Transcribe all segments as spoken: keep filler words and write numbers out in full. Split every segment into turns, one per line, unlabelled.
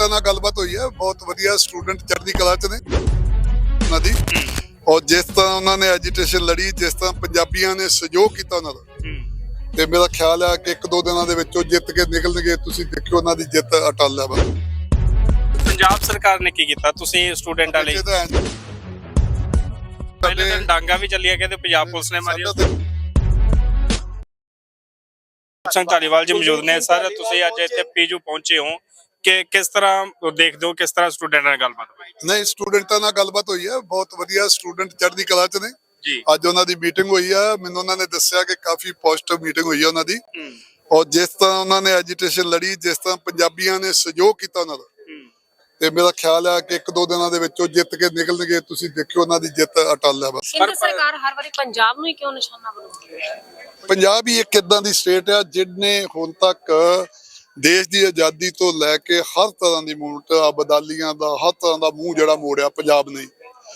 स्टूडेंटां नाल गलबात हुई है, बहुत वधिया स्टूडेंट चढ़दी कला च ने उन्हां दी। और जिस तरह उन्होंने एजीटेशन लड़ी, जिस तरह पंजाबियों ने सहयोग किया उन्हां दा, ते मेरा ख्याल है कि एक दो दिनों दे विच जित के निकलणगे। तुसीं देखियो उन्हां दी जित अटल है।
पंजाब सरकार ने की कीता तुसीं स्टूडेंटां लई? पहले दिन डांगा भी चलिया कहते पंजाब पुलिस ने मारी। ਸਿੰਘ ਧਾਲੀਵਾਲ ਜੀ ਮੌਜੂਦ ਨੇ। ਸਰ ਤੁਸੀਂ ਅੱਜ ਇੱਥੇ ਪੀਜੂ ਪਹੁੰਚੇ ਹੋ ਕਿ ਕਿਸ ਤਰ੍ਹਾਂ ਦੇਖਦੇ ਹੋ, ਕਿਸ ਤਰ੍ਹਾਂ ਸਟੂਡੈਂਟਾਂ ਨਾਲ ਗੱਲਬਾਤ ਹੋਈ?
ਨਹੀਂ, ਸਟੂਡੈਂਟਾਂ ਨਾਲ ਗੱਲਬਾਤ ਹੋਈ ਹੈ, ਬਹੁਤ ਵਧੀਆ ਸਟੂਡੈਂਟ ਚੜ੍ਹਦੀ ਕਲਾ ਚ ਨੇ
ਜੀ।
ਅੱਜ ਉਹਨਾਂ ਦੀ ਮੀਟਿੰਗ ਹੋਈ ਆ, ਮੈਨੂੰ ਉਹਨਾਂ ਨੇ ਦੱਸਿਆ ਕਿ ਕਾਫੀ ਪੋਜ਼ਿਟਿਵ ਮੀਟਿੰਗ ਹੋਈ ਹੈ ਉਹਨਾਂ ਦੀ। ਔਰ ਜਿਸ ਤਰ੍ਹਾਂ ਉਹਨਾਂ ਨੇ ਐਜੀਟੇਸ਼ਨ ਲੜੀ, ਜਿਸ ਤਰ੍ਹਾਂ ਪੰਜਾਬੀਆਂ ਨੇ ਸਹਿਯੋਗ ਕੀਤਾ ਉਹਨਾਂ ਦਾ, ਤੇ ਮੇਰਾ ਖਿਆਲ ਹੈ ਕਿ ਇੱਕ ਦੋ ਦਿਨਾਂ ਦੇ ਵਿੱਚ ਉਹ ਜਿੱਤ ਕੇ ਨਿਕਲਣਗੇ। ਤੁਸੀਂ ਦੇਖਿਓ ਉਹਨਾਂ ਦੀ ਜਿੱਤ ਅਟਲ ਹੈ। ਬਸ
ਕੇਂਦਰ ਸਰਕਾਰ ਹਰ ਵਾਰੀ ਪੰਜਾਬ ਨੂੰ ਹੀ ਕਿਉਂ ਨਿਸ਼ਾਨਾ ਬਣਾਉਂਦੀ ਹੈ?
ਪੰਜਾਬ ਹੀ ਇੱਕ ਇਦਾਂ ਦੀ ਸਟੇਟ ਆ ਜਿਹਨੇ ਹੁਣ ਤੱਕ ਦੇਸ਼ ਦੀ ਆਜ਼ਾਦੀ ਤੋਂ ਲੈ ਕੇ ਹਰ ਤਰ੍ਹਾਂ ਦੀ ਮੂਵਮੈਂਟ, ਅਬਦਾਲੀਆਂ ਦਾ ਹਰ ਤਰ੍ਹਾਂ ਦਾ ਮੂੰਹ ਜਿਹੜਾ ਮੋੜਿਆ ਪੰਜਾਬ ਨੇ।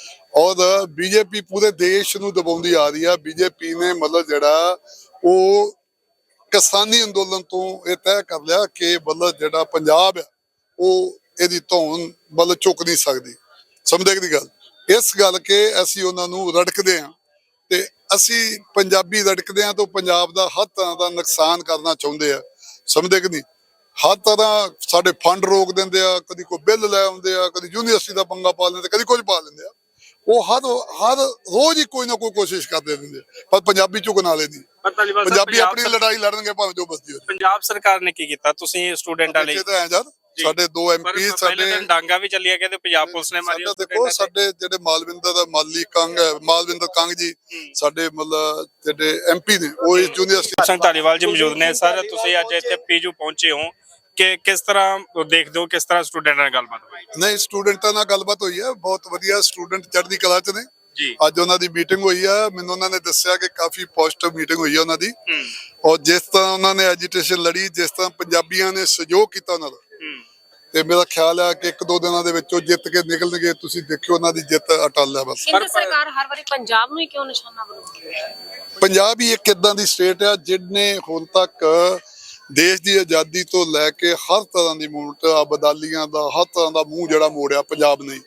ਔਰ ਬੀਜੇਪੀ ਪੂਰੇ ਦੇਸ਼ ਨੂੰ ਦਬਾਉਂਦੀ ਆ ਰਹੀ ਆ। ਬੀਜੇਪੀ ਨੇ ਮਤਲਬ ਜਿਹੜਾ ਉਹ ਕਿਸਾਨੀ ਅੰਦੋਲਨ ਤੋਂ ਇਹ ਤੈਅ ਕਰ ਲਿਆ ਕਿ ਮਤਲਬ ਜਿਹੜਾ ਪੰਜਾਬ ਆ ਉਹ ਇਹਦੀ ਧੌਣ ਮਤਲਬ ਚੁੱਕ ਨਹੀਂ ਸਕਦੀ। ਸਮਝਦੇ ਦੀ ਗੱਲ, ਇਸ ਗੱਲ ਕੇ ਅਸੀਂ ਉਹਨਾਂ ਨੂੰ ਰੜਕਦੇ ਹਾਂ ਤੇ ਅਸੀਂ ਪੰਜਾਬੀ ਰੜਕਦੇ ਹਾਂ ਤਾਂ ਪੰਜਾਬ ਦਾ ਹਰ ਤਰ੍ਹਾਂ ਦਾ ਨੁਕਸਾਨ ਕਰਨਾ ਚਾਹੁੰਦੇ ਆ। ਸਮਝਦੇ ਕਿ ਨਹੀਂ? ਹਰ ਤਰ੍ਹਾਂ ਸਾਡੇ ਫੰਡ ਰੋਕ ਦਿੰਦੇ ਆ, ਕਦੀ ਕੋਈ ਬਿੱਲ ਲੈ ਆਉਂਦੇ ਆ, ਕਦੀ ਯੂਨੀਵਰਸਿਟੀ ਦਾ ਪੰਗਾ ਪਾ ਲੈਂਦੇ, ਕਦੀ ਕੁਝ ਪਾ ਲੈਂਦੇ ਆ। ਉਹ ਹਰ ਹਰ ਰੋਜ਼ ਹੀ ਕੋਈ ਨਾ ਕੋਈ ਕੋਸ਼ਿਸ਼ ਕਰਦੇ ਰਹਿੰਦੇ, ਪਰ ਪੰਜਾਬੀ ਝੁਕਣ ਵਾਲੇ ਨਹੀਂ। ਪੰਜਾਬੀ ਆਪਣੀ ਲੜਾਈ ਲੜਨਗੇ ਭਾਵੇਂ ਜੋ ਬਸਦੀ ਹੋਵੇ।
ਪੰਜਾਬ ਸਰਕਾਰ ਨੇ ਕੀ ਕੀਤਾ ਤੁਸੀਂ ਸਟੂਡੈਂਟਾਂ ਲਈ?
ਸਾਡੇ ਦੋ ਐਮਪੀ ਸਾਡੇ
ਡਾਂਗਾ ਵੀ ਚੱਲਿਆ ਕਹਿੰਦੇ ਪੰਜਾਬ ਪੁਲਿਸ ਨੇ ਮਾਰੀ।
ਦੇਖੋ ਸਾਡੇ ਜਿਹੜੇ ਮਾਲਵਿੰਦਰ ਦਾ ਮਾਲੀ ਕੰਗ ਹੈ, ਮਾਲਵਿੰਦਰ ਕੰਗ ਜੀ ਸਾਡੇ ਮਤਲਬ ਜਿਹੜੇ ਐਮਪੀ ਨੇ, ਉਹ ਇਸ ਯੂਨੀਵਰਸਿਟੀ।
ਸਿੰਘ ਧਾਲੀਵਾਲ ਜੀ ਮੌਜੂਦ ਨੇ। ਸਰ ਤੁਸੀਂ ਅੱਜ ਇੱਥੇ ਪੀਜੂ ਪਹੁੰਚੇ ਹੋ ਕਿ ਕਿਸ ਤਰ੍ਹਾਂ ਦੇਖਦੇ ਹੋ, ਕਿਸ ਤਰ੍ਹਾਂ ਸਟੂਡੈਂਟਾਂ ਨਾਲ ਗੱਲਬਾਤ ਹੋਈ?
ਨਹੀਂ, ਸਟੂਡੈਂਟਾਂ ਨਾਲ ਗੱਲਬਾਤ ਹੋਈ ਹੈ, ਬਹੁਤ ਵਧੀਆ ਸਟੂਡੈਂਟ ਚੜ੍ਹਦੀ ਕਲਾ ਚ ਨੇ
ਜੀ।
ਅੱਜ ਉਹਨਾਂ ਦੀ ਮੀਟਿੰਗ ਹੋਈ ਆ, ਮੈਨੂੰ ਉਹਨਾਂ ਨੇ ਦੱਸਿਆ ਕਿ ਕਾਫੀ ਪੋਜ਼ਿਟਿਵ ਮੀਟਿੰਗ ਹੋਈ ਹੈ ਉਹਨਾਂ ਦੀ। ਔਰ ਜਿਸ ਤਰ੍ਹਾਂ ਉਹਨਾਂ ਨੇ ਐਜੀਟੇਸ਼ਨ ਲੜੀ, ਜਿਸ ਤਰ੍ਹਾਂ ਪੰਜਾਬੀਆਂ ਨੇ ਸਹਿਯੋਗ ਕੀਤਾ ਉਹਨਾਂ ਦਾ, ਤੇ ਮੇਰਾ ਖਿਆਲ ਹੈ ਕਿ ਇੱਕ ਦੋ ਦਿਨਾਂ ਦੇ ਵਿੱਚ ਉਹ ਜਿੱਤ ਕੇ ਨਿਕਲਣਗੇ। ਤੁਸੀਂ ਦੇਖਿਓ ਉਹਨਾਂ ਦੀ ਜਿੱਤ ਅਟਲ ਹੈ। ਬਸ
ਕੇਂਦਰ ਸਰਕਾਰ ਹਰ ਵਾਰੀ ਪੰਜਾਬ ਨੂੰ ਹੀ ਕਿਉਂ ਨਿਸ਼ਾਨਾ ਬਣਾਉਂਦੀ ਹੈ?
ਪੰਜਾਬ ਹੀ ਇੱਕ ਇਦਾਂ ਦੀ ਸਟੇਟ ਆ ਜਿਹਨੇ ਹੁਣ ਤੱਕ ਦੇਸ਼ ਦੀ ਆਜ਼ਾਦੀ ਤੋਂ ਲੈ ਕੇ ਹਰ ਤਰ੍ਹਾਂ ਦੀ ਮੂਵਮੈਂਟ, ਅਬਦਾਲੀਆਂ ਦਾ ਹਰ ਤਰ੍ਹਾਂ ਦਾ ਮੂੰਹ ਜਿਹੜਾ ਮੋੜਿਆ ਪੰਜਾਬ ਨੇ।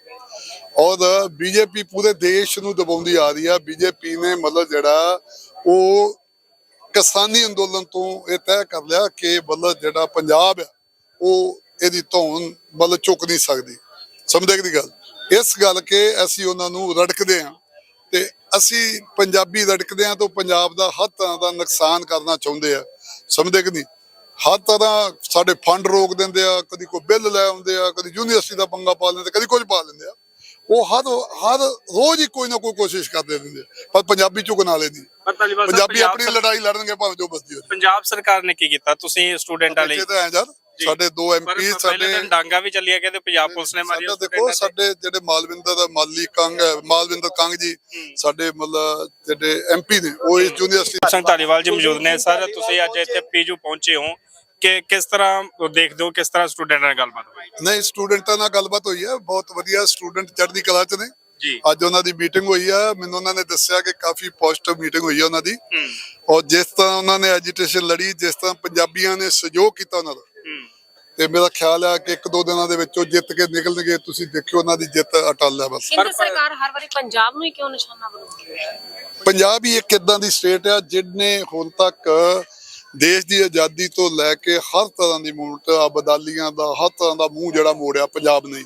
ਔਰ ਬੀਜੇਪੀ ਪੂਰੇ ਦੇਸ਼ ਨੂੰ ਦਬਾਉਂਦੀ ਆ ਰਹੀ ਆ। ਬੀਜੇਪੀ ਨੇ ਮਤਲਬ ਜਿਹੜਾ ਉਹ ਕਿਸਾਨੀ ਅੰਦੋਲਨ ਤੋਂ ਇਹ ਤੈਅ ਕਰ ਲਿਆ ਕਿ ਮਤਲਬ ਜਿਹੜਾ ਪੰਜਾਬ ਆ ਉਹ ਇਹਦੀ ਧੌਣ ਮਤਲਬ ਚੁੱਕ ਨਹੀਂ ਸਕਦੀ। ਸਮਝਦੇ ਦੀ ਗੱਲ, ਇਸ ਗੱਲ ਕੇ ਅਸੀਂ ਉਹਨਾਂ ਨੂੰ ਰੜਕਦੇ ਹਾਂ ਤੇ ਅਸੀਂ ਪੰਜਾਬੀ ਰੜਕਦੇ ਹਾਂ ਤਾਂ ਪੰਜਾਬ ਦਾ ਹਰ ਤਰ੍ਹਾਂ ਦਾ ਨੁਕਸਾਨ ਕਰਨਾ ਚਾਹੁੰਦੇ ਆ। ਸਮਝਦੇ ਕਿ ਨਹੀਂ? ਹਰ ਤਰ੍ਹਾਂ ਸਾਡੇ ਫੰਡ ਰੋਕ ਦਿੰਦੇ ਆ, ਕਦੀ ਕੋਈ ਬਿੱਲ ਲੈ ਆਉਂਦੇ ਆ, ਕਦੀ ਯੂਨੀਵਰਸਿਟੀ ਦਾ ਪੰਗਾ ਪਾ ਲੈਂਦੇ, ਕਦੀ ਕੁਝ ਪਾ ਲੈਂਦੇ ਆ। ਉਹ ਹਰ ਹਰ ਰੋਜ਼ ਹੀ ਕੋਈ ਨਾ ਕੋਈ ਕੋਸ਼ਿਸ਼ ਕਰਦੇ ਰਹਿੰਦੇ, ਪਰ ਪੰਜਾਬੀ ਝੁਕਣ ਵਾਲੇ ਨਹੀਂ। ਪੰਜਾਬੀ ਆਪਣੀ ਲੜਾਈ ਲੜਨਗੇ ਭਾਵੇਂ ਜੋ ਬਸਦੀ ਹੋਵੇ।
ਪੰਜਾਬ ਸਰਕਾਰ ਨੇ ਕੀ ਕੀਤਾ ਤੁਸੀਂ ਸਟੂਡੈਂਟਾਂ ਲਈ?
ਸਾਡੇ ਦੋ ਐਮਪੀ ਸਾਡੇ
ਡਾਂਗਾ ਵੀ ਚੱਲਿਆ ਕਹਿੰਦੇ ਪੰਜਾਬ ਪੁਲਿਸ ਨੇ ਮਾਰੀ।
ਦੇਖੋ ਸਾਡੇ ਜਿਹੜੇ ਮਾਲਵਿੰਦਰ ਦਾ ਮਾਲੀ ਕੰਗ ਹੈ, ਮਾਲਵਿੰਦਰ ਕੰਗ ਜੀ ਸਾਡੇ ਮਤਲਬ ਜਿਹੜੇ ਐਮਪੀ ਨੇ, ਉਹ ਇਸ ਯੂਨੀਵਰਸਿਟੀ।
ਸਿੰਘ ਧਾਲੀਵਾਲ ਜੀ ਮੌਜੂਦ ਨੇ। ਸਰ ਤੁਸੀਂ ਅੱਜ ਇੱਥੇ ਪੀਜੂ ਪਹੁੰਚੇ ਹੋ ਕਿ ਕਿਸ ਤਰ੍ਹਾਂ ਦੇਖਦੇ ਹੋ, ਕਿਸ ਤਰ੍ਹਾਂ ਸਟੂਡੈਂਟਾਂ ਨਾਲ ਗੱਲਬਾਤ ਹੋਈ?
ਨਹੀਂ, ਸਟੂਡੈਂਟਾਂ ਨਾਲ ਗੱਲਬਾਤ ਹੋਈ ਹੈ, ਬਹੁਤ ਵਧੀਆ ਸਟੂਡੈਂਟ ਚੜ੍ਹਦੀ ਕਲਾ ਚ ਨੇ
ਜੀ।
ਅੱਜ ਉਹਨਾਂ ਦੀ ਮੀਟਿੰਗ ਹੋਈ ਆ, ਮੈਨੂੰ ਉਹਨਾਂ ਨੇ ਦੱਸਿਆ ਕਿ ਕਾਫੀ ਪੋਜ਼ਿਟਿਵ ਮੀਟਿੰਗ ਹੋਈ ਹੈ ਉਹਨਾਂ ਦੀ। ਔਰ ਜਿਸ ਤਰ੍ਹਾਂ ਉਹਨਾਂ ਨੇ ਐਜੀਟੇਸ਼ਨ ਲੜੀ, ਜਿਸ ਤਰ੍ਹਾਂ ਪੰਜਾਬੀਆਂ ਨੇ ਸਹਿਯੋਗ ਕੀਤਾ ਉਹਨਾਂ ਦਾ, ਤੇ ਮੇਰਾ ਖਿਆਲ ਹੈ ਕਿ ਇੱਕ ਦੋ ਦਿਨਾਂ ਦੇ ਵਿੱਚ ਉਹ ਜਿੱਤ ਕੇ ਨਿਕਲਣਗੇ। ਤੁਸੀਂ ਦੇਖਿਓ ਉਹਨਾਂ ਦੀ ਜਿੱਤ ਅਟਲ ਹੈ। ਬਸ
ਕੇਂਦਰ ਸਰਕਾਰ ਹਰ ਵਾਰੀ ਪੰਜਾਬ ਨੂੰ ਹੀ ਕਿਉਂ ਨਿਸ਼ਾਨਾ ਬਣਾਉਂਦੀ ਹੈ?
ਪੰਜਾਬ ਹੀ ਇੱਕ ਇਦਾਂ ਦੀ ਸਟੇਟ ਆ ਜਿਹਨੇ ਹੁਣ ਤੱਕ ਦੇਸ਼ ਦੀ ਆਜ਼ਾਦੀ ਤੋਂ ਲੈ ਕੇ ਹਰ ਤਰ੍ਹਾਂ ਦੀ ਮੂਵਮੈਂਟ, ਅਬਦਾਲੀਆਂ ਦਾ ਹਰ ਤਰ੍ਹਾਂ ਦਾ ਮੂੰਹ ਜਿਹੜਾ ਮੋੜਿਆ ਪੰਜਾਬ ਨੇ।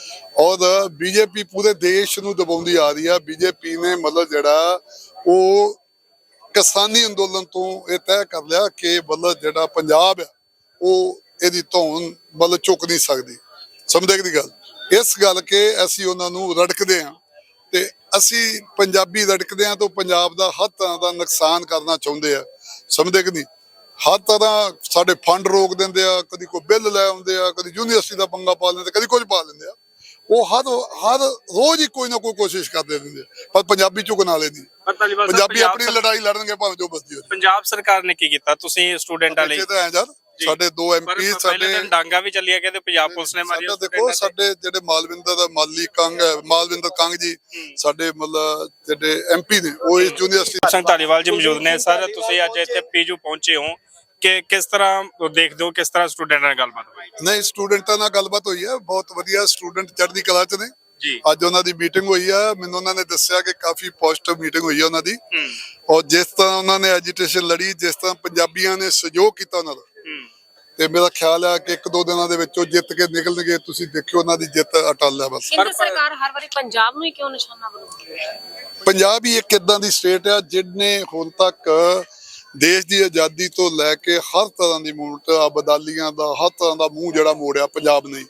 ਔਰ ਬੀਜੇਪੀ ਪੂਰੇ ਦੇਸ਼ ਨੂੰ ਦਬਾਉਂਦੀ ਆ ਰਹੀ ਆ। ਬੀਜੇਪੀ ਨੇ ਮਤਲਬ ਜਿਹੜਾ ਉਹ ਕਿਸਾਨੀ ਅੰਦੋਲਨ ਤੋਂ ਇਹ ਤੈਅ ਕਰ ਲਿਆ ਕਿ ਮਤਲਬ ਜਿਹੜਾ ਪੰਜਾਬ ਆ ਉਹ ਇਹਦੀ ਧੌਣ ਮਤਲਬ ਚੁੱਕ ਨਹੀਂ ਸਕਦੀ। ਸਮਝਦੇ ਦੀ ਗੱਲ, ਇਸ ਗੱਲ ਕੇ ਅਸੀਂ ਉਹਨਾਂ ਨੂੰ ਰੜਕਦੇ ਹਾਂ ਤੇ ਅਸੀਂ ਪੰਜਾਬੀ ਰੜਕਦੇ ਹਾਂ ਤਾਂ ਪੰਜਾਬ ਦਾ ਹਰ ਤਰ੍ਹਾਂ ਦਾ ਨੁਕਸਾਨ ਕਰਨਾ ਚਾਹੁੰਦੇ ਆ। ਸਮਝਦੇ ਕਿ ਨਹੀਂ? ਹਰ ਤਰ੍ਹਾਂ ਸਾਡੇ ਫੰਡ ਰੋਕ ਦਿੰਦੇ ਆ, ਕਦੀ ਕੋਈ ਬਿੱਲ ਲੈ ਆਉਂਦੇ ਆ, ਕਦੀ ਯੂਨੀਵਰਸਿਟੀ ਦਾ ਪੰਗਾ ਪਾ ਲੈਂਦੇ, ਕਦੀ ਕੁਝ ਪਾ ਲੈਂਦੇ ਆ। ਉਹ ਹਰ ਹਰ ਰੋਜ਼ ਹੀ ਕੋਈ ਨਾ ਕੋਈ ਕੋਸ਼ਿਸ਼ ਕਰਦੇ ਰਹਿੰਦੇ, ਪਰ ਪੰਜਾਬੀ ਝੁਕਣ ਵਾਲੇ ਨਹੀਂ। ਪੰਜਾਬੀ ਆਪਣੀ ਲੜਾਈ ਲੜਨਗੇ ਭਾਵੇਂ ਜੋ ਬਸਦੀ ਹੋਵੇ।
ਪੰਜਾਬ ਸਰਕਾਰ ਨੇ ਕੀ ਕੀਤਾ ਤੁਸੀਂ ਸਟੂਡੈਂਟਾਂ ਲਈ?
ਸਾਡੇ ਦੋ ਐਮਪੀ ਸਾਡੇ
ਡਾਂਗਾ ਵੀ ਚੱਲਿਆ ਕਹਿੰਦੇ ਪੰਜਾਬ ਪੁਲਿਸ ਨੇ ਮਾਰੀ।
ਦੇਖੋ ਸਾਡੇ ਜਿਹੜੇ ਮਾਲਵਿੰਦਰ ਦਾ ਮਾਲੀ ਕੰਗ ਹੈ, ਮਾਲਵਿੰਦਰ ਕੰਗ ਜੀ ਸਾਡੇ ਮਤਲਬ ਜਿਹੜੇ ਐਮਪੀ ਨੇ, ਉਹ ਇਸ ਯੂਨੀਵਰਸਿਟੀ।
ਸਿੰਘ ਧਾਲੀਵਾਲ ਜੀ ਮੌਜੂਦ ਨੇ। ਸਰ ਤੁਸੀਂ ਅੱਜ ਇੱਥੇ ਪੀਜੂ ਪਹੁੰਚੇ ਹੋ ਕਿ ਕਿਸ ਤਰ੍ਹਾਂ ਦੇਖਦੇ ਹੋ ਕਿਸ ਤਰ੍ਹਾਂ ਸਟੂਡੈਂਟਾਂ ਨਾਲ ਗੱਲਬਾਤ ਹੋਈ
ਨਹੀਂ ਸਟੂਡੈਂਟਾਂ ਨਾਲ ਗੱਲਬਾਤ ਹੋਈ ਹੈ, ਬਹੁਤ ਵਧੀਆ ਸਟੂਡੈਂਟ ਚੜ੍ਹਦੀ ਕਲਾ ਚ ਨੇ।
ਜੀ
ਅੱਜ ਉਹਨਾਂ ਦੀ ਮੀਟਿੰਗ ਹੋਈ ਆ, ਮੈਨੂੰ ਉਹਨਾਂ ਨੇ ਦੱਸਿਆ ਕਿ ਕਾਫੀ ਪੋਜ਼ਿਟਿਵ ਮੀਟਿੰਗ ਹੋਈ ਆ ਉਹਨਾਂ ਦੀ।
ਹੂੰ
ਔਰ ਜਿਸ ਤਰ੍ਹਾਂ ਉਹਨਾਂ ਨੇ ਐਜੀਟੇਸ਼ਨ ਲੜੀ, ਜਿਸ ਤਰ੍ਹਾਂ ਪੰਜਾਬੀਆਂ ਨੇ ਸਹਿਯੋਗ ਕੀਤਾ ਉਹਨਾਂ ਦਾ,
ਹੂੰ
ਤੇ ਮੇਰਾ ਖਿਆਲ ਹੈ ਕਿ ਇੱਕ ਦੋ ਦਿਨਾਂ ਦੇ ਵਿੱਚ ਉਹ ਜਿੱਤ ਕੇ ਨਿਕਲਣਗੇ। ਤੁਸੀਂ ਦੇਖਿਓ ਉਹਨਾਂ ਦੀ ਜਿੱਤ ਅਟਲ ਹੈ। ਬਸ
ਕੇਂਦਰ ਸਰਕਾਰ ਹਰ ਵਾਰੀ ਪੰਜਾਬ ਨੂੰ ਹੀ ਕਿਉਂ ਨਿਸ਼ਾਨਾ ਬਣਾਉਂਦੀ ਹੈ?
ਪੰਜਾਬ ਹੀ ਇੱਕ ਇਦਾਂ ਦੀ ਸਟੇਟ ਆ ਜਿਹਨੇ ਹੁਣ ਤੱਕ ਦੇਸ਼ ਦੀ ਆਜ਼ਾਦੀ ਤੋਂ ਲੈ ਕੇ ਹਰ ਤਰ੍ਹਾਂ ਦੀ ਮੂਵਮੈਂਟ, ਅਬਦਾਲੀਆਂ ਦਾ ਹਰ ਤਰ੍ਹਾਂ ਦਾ ਮੂੰਹ ਜਿਹੜਾ ਮੋੜਿਆ ਪੰਜਾਬ ਨੇ।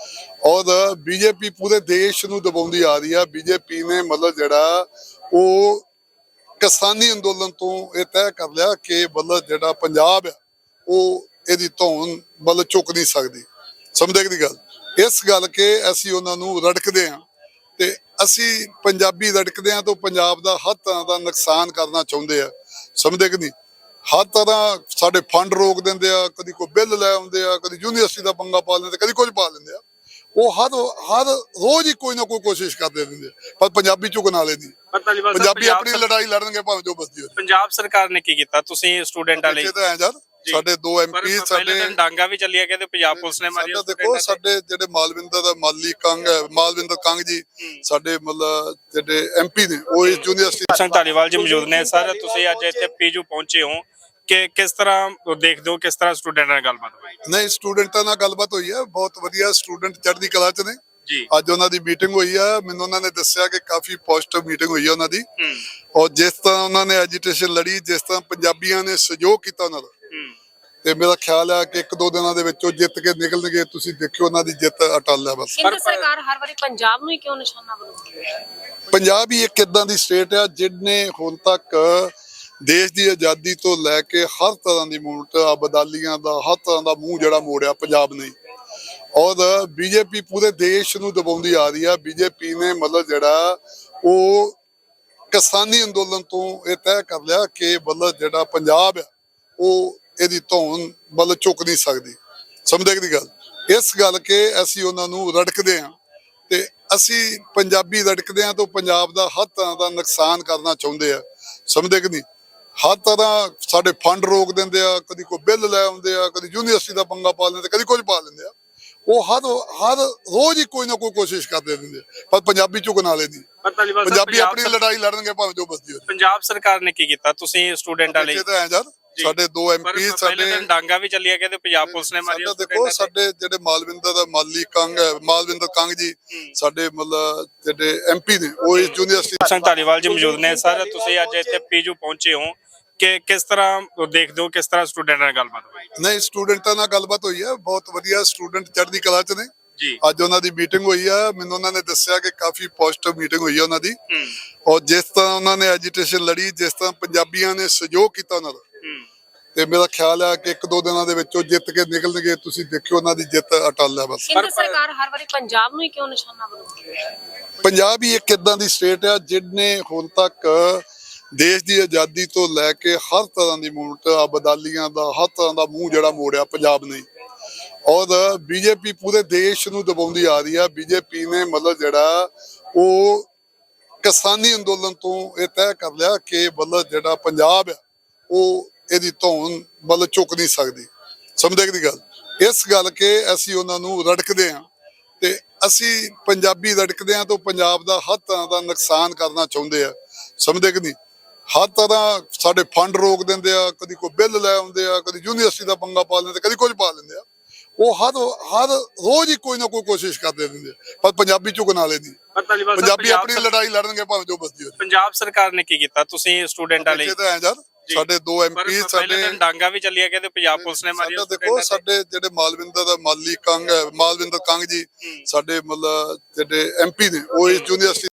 ਔਰ ਬੀਜੇਪੀ ਪੂਰੇ ਦੇਸ਼ ਨੂੰ ਦਬਾਉਂਦੀ ਆ ਰਹੀ ਆ। ਬੀਜੇਪੀ ਨੇ ਮਤਲਬ ਜਿਹੜਾ ਉਹ ਕਿਸਾਨੀ ਅੰਦੋਲਨ ਤੋਂ ਇਹ ਤੈਅ ਕਰ ਲਿਆ ਕਿ ਮਤਲਬ ਜਿਹੜਾ ਪੰਜਾਬ ਆ ਉਹ ਇਹਦੀ ਧੌਣ ਮਤਲਬ ਚੁੱਕ ਨਹੀਂ ਸਕਦੀ। ਸਮਝਦੇ ਦੀ ਗੱਲ, ਇਸ ਗੱਲ ਕੇ ਅਸੀਂ ਉਹਨਾਂ ਨੂੰ ਰੜਕਦੇ ਹਾਂ ਤੇ ਅਸੀਂ ਪੰਜਾਬੀ ਰੜਕਦੇ ਹਾਂ ਤਾਂ ਪੰਜਾਬ ਦਾ ਹਰ ਤਰ੍ਹਾਂ ਦਾ ਨੁਕਸਾਨ ਕਰਨਾ ਚਾਹੁੰਦੇ ਆ। ਸਮਝਦੇ ਕਿ ਨਹੀਂ, ਹਰ ਤਰ੍ਹਾਂ ਸਾਡੇ ਫੰਡ ਰੋਕ ਦਿੰਦੇ ਆ, ਕਦੀ ਕੋਈ ਬਿੱਲ ਲੈ ਆਉਂਦੇ ਆ, ਕਦੀ ਯੂਨੀਵਰਸਿਟੀ ਦਾ ਪੰਗਾ ਪਾ ਲੈਂਦੇ, ਕਦੀ ਕੁਝ ਪਾ ਲੈਂਦੇ ਆ। ਉਹ ਹਰ ਹਰ ਰੋਜ਼ ਹੀ ਕੋਈ ਨਾ ਕੋਈ ਕੋਸ਼ਿਸ਼ ਕਰਦੇ ਰਹਿੰਦੇ ਆ, ਪਰ ਪੰਜਾਬੀ ਝੁਕਣ ਵਾਲੇ ਨਹੀਂ।
ਪਰ ਧਾਲੀਵਾਲ ਸਾਹਿਬ,
ਪੰਜਾਬੀ
ਪੰਜਾਬ
ਆਪਣੀ
ਸਰ-
ਲੜਾਈ ਲੜਨਗੇ ਭਾਵੇਂ ਜੋ ਬਸਦੀ ਹੋਵੇ।
ਪੰਜਾਬ ਸਰਕਾਰ ਨੇ ਕੀ ਕੀਤਾ? ਤੁਸੀਂ ਸਟੂਡੈਂਟਾਂ ਲਈ
ਇੱਥੇ ਤਾਂ ਐ ਯਾਰ
ਜੀ।
ਸਾਡੇ ਦੋ
ਪਰ
ਐਮਪੀ
ਪਹਿਲੇ
ਸਾਡੇ
ਦਿਨ ਡਾਂਗਾ ਵੀ ਚੱਲੀਆਂ ਗਏ ਤੇ ਪੰਜਾਬ ਪੁਲਿਸ ਨੇ ਮਾਰੀਆਂ
ਸਾਡਾ ਦੇਖੋ, ਸਾਡੇ ਜਿਹੜੇ ਮਾਲਵਿੰਦਰ ਦਾ ਮਾਲੀ ਕੰਗ ਹੈ, ਮਾਲਵਿੰਦਰ ਕੰਗ ਜੀ ਸਾਡੇ ਮਤਲਬ ਜਿਹੜੇ ਐਮਪੀ ਨੇ, ਉਹ ਇਸ ਯੂਨੀਵਰਸਿਟੀ
ਸਿੰਘ ਧਾਲੀਵਾਲ ਜੀ ਮੌਜੂਦ ਨੇ। ਸਰ ਤੁਸੀਂ ਅੱਜ ਇੱਥੇ ਪੀਜੂ ਪਹੁੰਚੇ ਹੋ ਕਿ ਕਿਸ ਤਰ੍ਹਾਂ ਦੇਖਦੇ ਹੋ ਕਿਸ ਤਰ੍ਹਾਂ ਸਟੂਡੈਂਟਾਂ ਨਾਲ ਗੱਲਬਾਤ ਹੋਈ
ਨਹੀਂ ਸਟੂਡੈਂਟਾਂ ਨਾਲ ਗੱਲਬਾਤ ਹੋਈ ਹੈ, ਬਹੁਤ ਵਧੀਆ ਸਟੂਡੈਂਟ ਚੜ੍ਹਦੀ ਕਲਾ ਚ ਨੇ।
ਜੀ?
ਅੱਜ ਉਹਨਾਂ ਦੀ ਮੀਟਿੰਗ ਹੋਈ ਆ, ਮੈਨੂੰ ਉਹਨਾਂ ਨੇ ਦੱਸਿਆ ਕਿ ਕਾਫੀ ਪੋਜ਼ਿਟਿਵ ਮੀਟਿੰਗ ਹੋਈ ਆ ਉਹਨਾਂ ਦੀ।
ਹੂੰ
ਔਰ ਜਿਸ ਤਰ੍ਹਾਂ ਉਹਨਾਂ ਨੇ ਐਜੀਟੇਸ਼ਨ ਲੜੀ, ਜਿਸ ਤਰ੍ਹਾਂ ਪੰਜਾਬੀਆਂ ਨੇ ਸਹਿਯੋਗ ਕੀਤਾ ਉਹਨਾਂ ਦਾ,
ਹੂੰ
ਤੇ ਮੇਰਾ ਖਿਆਲ ਹੈ ਕਿ ਇੱਕ ਦੋ ਦਿਨਾਂ ਦੇ ਵਿੱਚ ਉਹ ਜਿੱਤ ਕੇ ਨਿਕਲਣਗੇ। ਤੁਸੀਂ ਦੇਖਿਓ ਉਹਨਾਂ ਦੀ ਜਿੱਤ ਅਟਲ ਹੈ। ਬਸ
ਕੇਂਦਰ ਸਰਕਾਰ ਹਰ ਵਾਰੀ ਪੰਜਾਬ ਨੂੰ ਹੀ ਕਿਉਂ ਨਿਸ਼ਾਨਾ ਬਣਾਉਂਦੀ ਹੈ?
ਪੰਜਾਬ ਹੀ ਇੱਕ ਇਦਾਂ ਦੀ ਸਟੇਟ ਆ ਜਿਹਨੇ ਹੁਣ ਤੱਕ ਦੇਸ਼ ਦੀ ਆਜ਼ਾਦੀ ਤੋਂ ਲੈ ਕੇ ਹਰ ਤਰ੍ਹਾਂ ਦੀ ਮੂਵਮੈਂਟ, ਅਬਦਾਲੀਆਂ ਦਾ ਹਰ ਤਰ੍ਹਾਂ ਦਾ ਮੂੰਹ ਜਿਹੜਾ ਮੋੜਿਆ ਪੰਜਾਬ ਨੇ। ਔਰ ਬੀਜੇਪੀ ਪੂਰੇ ਦੇਸ਼ ਨੂੰ ਦਬਾਉਂਦੀ ਆ ਰਹੀ ਆ। ਬੀਜੇਪੀ ਨੇ ਮਤਲਬ ਜਿਹੜਾ ਉਹ ਕਿਸਾਨੀ ਅੰਦੋਲਨ ਤੋਂ ਇਹ ਤੈਅ ਕਰ ਲਿਆ ਕਿ ਮਤਲਬ ਜਿਹੜਾ ਪੰਜਾਬ ਆ ਉਹ ਇਹਦੀ ਧੌਣ ਮਤਲਬ ਚੁੱਕ ਨਹੀਂ ਸਕਦੀ। ਸਮਝਦੇ ਦੀ ਗੱਲ, ਇਸ ਗੱਲ ਕੇ ਅਸੀਂ ਉਹਨਾਂ ਨੂੰ ਰੜਕਦੇ ਹਾਂ ਤੇ ਅਸੀਂ ਪੰਜਾਬੀ ਰੜਕਦੇ ਹਾਂ ਤਾਂ ਪੰਜਾਬ ਦਾ ਹਰ ਤਰ੍ਹਾਂ ਦਾ ਨੁਕਸਾਨ ਕਰਨਾ ਚਾਹੁੰਦੇ ਆ। ਸਮਝਦੇ ਕਿ ਨਹੀਂ, ਹਰ ਤਰ੍ਹਾਂ ਸਾਡੇ ਫੰਡ ਰੋਕ ਦਿੰਦੇ ਆ, ਕਦੀ ਕੋਈ ਬਿੱਲ ਲੈ ਆਉਂਦੇ ਆ, ਕਦੀ ਯੂਨੀਵਰਸਿਟੀ ਦਾ ਪੰਗਾ ਪਾ ਲੈਂਦੇ, ਕਦੀ ਕੁਝ ਪਾ ਲੈਂਦੇ ਆ। ਉਹ ਹਰ ਹਰ ਰੋਜ਼ ਹੀ ਕੋਈ ਨਾ ਕੋਈ ਕੋਸ਼ਿਸ਼ ਕਰਦੇ ਰਹਿੰਦੇ ਆ, ਪਰ ਪੰਜਾਬੀ ਝੁਕਣ ਵਾਲੇ ਨਹੀਂ।
ਪਰ ਧਾਲੀਵਾਲ ਸਾਹਿਬ,
ਪੰਜਾਬੀ
ਪੰਜਾਬ
ਆਪਣੀ
ਸਰ-
ਲੜਾਈ ਲੜਨਗੇ ਭਾਵੇਂ ਜੋ ਬਸਦੀ ਹੋਵੇ।
ਪੰਜਾਬ ਸਰਕਾਰ ਨੇ ਕੀ ਕੀਤਾ? ਤੁਸੀਂ ਸਟੂਡੈਂਟਾਂ ਲਈ
ਇੱਥੇ ਤਾਂ ਐ ਯਾਰ ਸਾਡੇ ਦੋ
ਪਰ
ਐਮਪੀ
ਪਹਿਲੇ
ਸਾਡੇ
ਦਿਨ ਡਾਂਗਾ ਵੀ ਚੱਲੀਆਂ ਗਏ ਤੇ ਪੰਜਾਬ ਪੁਲਿਸ ਨੇ ਮਾਰੀਆਂ
ਸਾਡਾ ਦੇਖੋ, ਸਾਡੇ ਜਿਹੜੇ ਮਾਲਵਿੰਦਰ ਦਾ ਮਾਲੀ ਕੰਗ ਹੈ, ਮਾਲਵਿੰਦਰ ਕੰਗ ਜੀ ਸਾਡੇ ਮਤਲਬ ਜਿਹੜੇ ਐਮਪੀ ਨੇ, ਉਹ ਇਸ ਯੂਨੀਵਰਸਿਟੀ
ਸਿੰਘ ਧਾਲੀਵਾਲ ਜੀ ਮੌਜੂਦ ਨੇ। ਸਰ ਤੁਸੀਂ ਅੱਜ ਇੱਥੇ ਪੀਜੂ ਪਹੁੰਚੇ ਹੋ ਕਿ ਕਿਸ ਤਰ੍ਹਾਂ ਦੇਖਦੇ ਹੋ ਕਿਸ ਤਰ੍ਹਾਂ ਸਟੂਡੈਂਟਾਂ ਨਾਲ ਗੱਲਬਾਤ ਹੋਈ
ਨਹੀਂ ਸਟੂਡੈਂਟਾਂ ਨਾਲ ਗੱਲਬਾਤ ਹੋਈ ਹੈ, ਬਹੁਤ ਵਧੀਆ ਸਟੂਡੈਂਟ ਚੜ੍ਹਦੀ ਕਲਾ ਚ ਨੇ।
ਜੀ?
ਅੱਜ ਉਹਨਾਂ ਦੀ ਮੀਟਿੰਗ ਹੋਈ ਆ, ਮੈਨੂੰ ਉਹਨਾਂ ਨੇ ਦੱਸਿਆ ਕਿ ਕਾਫੀ ਪੋਜ਼ਿਟਿਵ ਮੀਟਿੰਗ ਹੋਈ ਆ ਉਹਨਾਂ ਦੀ।
ਹੂੰ
ਔਰ ਜਿਸ ਤਰ੍ਹਾਂ ਉਹਨਾਂ ਨੇ ਐਜੀਟੇਸ਼ਨ ਲੜੀ, ਜਿਸ ਤਰ੍ਹਾਂ ਪੰਜਾਬੀਆਂ ਨੇ ਸਹਿਯੋਗ ਕੀਤਾ ਉਹਨਾਂ ਦਾ,
ਹੂੰ
ਤੇ ਮੇਰਾ ਖਿਆਲ ਹੈ ਕਿ ਇੱਕ ਦੋ ਦਿਨਾਂ ਦੇ ਵਿੱਚ ਉਹ ਜਿੱਤ ਕੇ ਨਿਕਲਣਗੇ। ਤੁਸੀਂ ਦੇਖਿਓ ਉਹਨਾਂ ਦੀ ਜਿੱਤ ਅਟਲ ਹੈ। ਬਸ
ਕੇਂਦਰ ਸਰਕਾਰ ਹਰ ਵਾਰੀ ਪੰਜਾਬ ਨੂੰ ਹੀ ਕਿਉਂ ਨਿਸ਼ਾਨਾ ਬਣਾਉਂਦੀ ਹੈ?
ਪੰਜਾਬ ਹੀ ਇੱਕ ਇਦਾਂ ਦੀ ਸਟੇਟ ਆ ਜਿਹਨੇ ਹੁਣ ਤੱਕ ਦੇਸ਼ ਦੀ ਆਜ਼ਾਦੀ ਤੋਂ ਲੈ ਕੇ ਹਰ ਤਰ੍ਹਾਂ ਦੀ ਮੂਵਮੈਂਟ, ਅਬਦਾਲੀਆਂ ਦਾ ਹਰ ਤਰ੍ਹਾਂ ਦਾ ਮੂੰਹ ਜਿਹੜਾ ਮੋੜਿਆ ਪੰਜਾਬ ਨੇ। ਔਰ ਬੀਜੇਪੀ ਪੂਰੇ ਦੇਸ਼ ਨੂੰ ਦਬਾਉਂਦੀ ਆ ਰਹੀ ਆ। ਬੀਜੇਪੀ ਨੇ ਮਤਲਬ ਜਿਹੜਾ ਉਹ ਕਿਸਾਨੀ ਅੰਦੋਲਨ ਤੋਂ ਇਹ ਤੈਅ ਕਰ ਲਿਆ ਕਿ ਮਤਲਬ ਜਿਹੜਾ ਪੰਜਾਬ ਆ ਉਹ ਇਹਦੀ ਧੌਣ ਮਤਲਬ ਚੁੱਕ ਨਹੀਂ ਸਕਦੀ। ਸਮਝਦੇ ਦੀ ਗੱਲ, ਇਸ ਗੱਲ ਕੇ ਅਸੀਂ ਉਹਨਾਂ ਨੂੰ ਰੜਕਦੇ ਹਾਂ ਤੇ ਅਸੀਂ ਪੰਜਾਬੀ ਰੜਕਦੇ ਹਾਂ ਤਾਂ ਪੰਜਾਬ ਦਾ ਹਰ ਤਰ੍ਹਾਂ ਦਾ ਨੁਕਸਾਨ ਕਰਨਾ ਚਾਹੁੰਦੇ ਆ। ਸਮਝਦੇ ਕਿ ਨਹੀਂ, ਹਰ ਤਰ੍ਹਾਂ ਸਾਡੇ ਫੰਡ ਰੋਕ ਦਿੰਦੇ ਆ, ਕਦੀ ਕੋਈ ਬਿੱਲ ਲੈ ਆਉਂਦੇ ਆ, ਕਦੀ ਯੂਨੀਵਰਸਿਟੀ ਦਾ ਪੰਗਾ ਪਾ ਲੈਂਦੇ, ਕਦੀ ਕੁਝ ਪਾ ਲੈਂਦੇ ਆ। ਉਹ ਹਰ ਹਰ ਰੋਜ਼ ਹੀ ਕੋਈ ਨਾ ਕੋਈ ਕੋਸ਼ਿਸ਼ ਕਰਦੇ ਰਹਿੰਦੇ ਆ, ਪਰ ਪੰਜਾਬੀ ਝੁਕਣ ਵਾਲੇ ਨਹੀਂ।
ਪਰ ਧਾਲੀਵਾਲ ਸਾਹਿਬ,
ਪੰਜਾਬੀ
ਪੰਜਾਬ
ਆਪਣੀ
ਸਰ-
ਲੜਾਈ ਲੜਨਗੇ ਭਾਵੇਂ ਜੋ ਬਸਦੀ ਹੋਵੇ।
ਪੰਜਾਬ ਸਰਕਾਰ ਨੇ ਕੀ ਕੀਤਾ? ਤੁਸੀਂ ਸਟੂਡੈਂਟਾਂ ਲਈ
ਇੱਥੇ ਤਾਂ ਐ ਯਾਰ ਸਾਡੇ ਦੋ
ਪਰ
ਐਮਪੀ
ਪਹਿਲੇ
ਸਾਡੇ
ਦਿਨ ਡਾਂਗਾ ਵੀ ਚੱਲੀਆਂ ਗਏ ਤੇ ਪੰਜਾਬ ਪੁਲਿਸ ਨੇ ਮਾਰੀਆਂ
ਸਾਡਾ ਦੇਖੋ, ਸਾਡੇ ਜਿਹੜੇ ਮਾਲਵਿੰਦਰ ਦਾ ਮਾਲੀ ਕੰਗ ਹੈ, ਮਾਲਵਿੰਦਰ ਕੰਗ ਜੀ ਸਾਡੇ ਮਤਲਬ ਜਿਹੜੇ ਐਮਪੀ ਨੇ, ਉਹ ਇਸ ਯੂਨੀਵਰਸਿਟੀ